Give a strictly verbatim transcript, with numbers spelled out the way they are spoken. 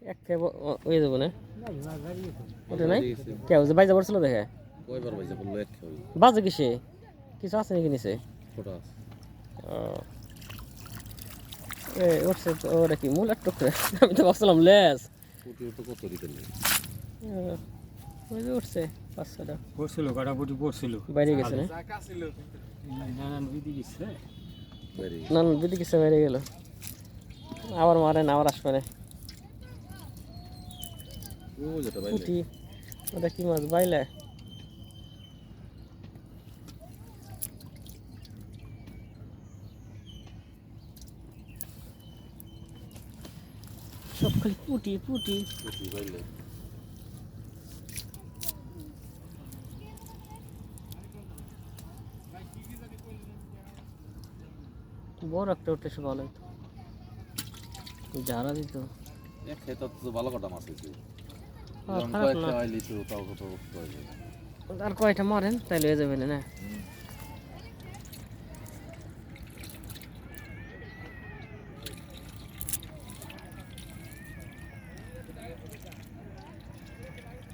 এক খেয়ে হয়ে যাবো না ওটা নাই কে হচ্ছে বাইজা পড়ছিল দেখে কয়বার বাইজা বললো এক খেয়ে বাজে কিসে কিছু আছে নাকি নিচে ফোটা এ উঠছে তো ওটা কি মূল একটু করে আমি তো ভাবছিলাম লেস পুটি তো কত দিতেন ওই যে উঠছে পাঁচ ছটা পড়ছিল কাটাপুটি পড়ছিল বাইরে গেছে না নানান বিধি গেছে না না দিদি কিছু বাইরে গেল আবার মারেন আবার আসবে না ও যেটা বাইলে পুঁটি ওটা কি মাছ বাইলে সব খালি পুঁটি পুঁটি পুটি বাইলে বড় একটা উঠে সে ভালো হতো যারা দিত এক খেয়ে তো ভালো কটা মাছ হয়েছে খারাপ না তাও কত আর কয়টা মারেন তাইলে হয়ে যাবে না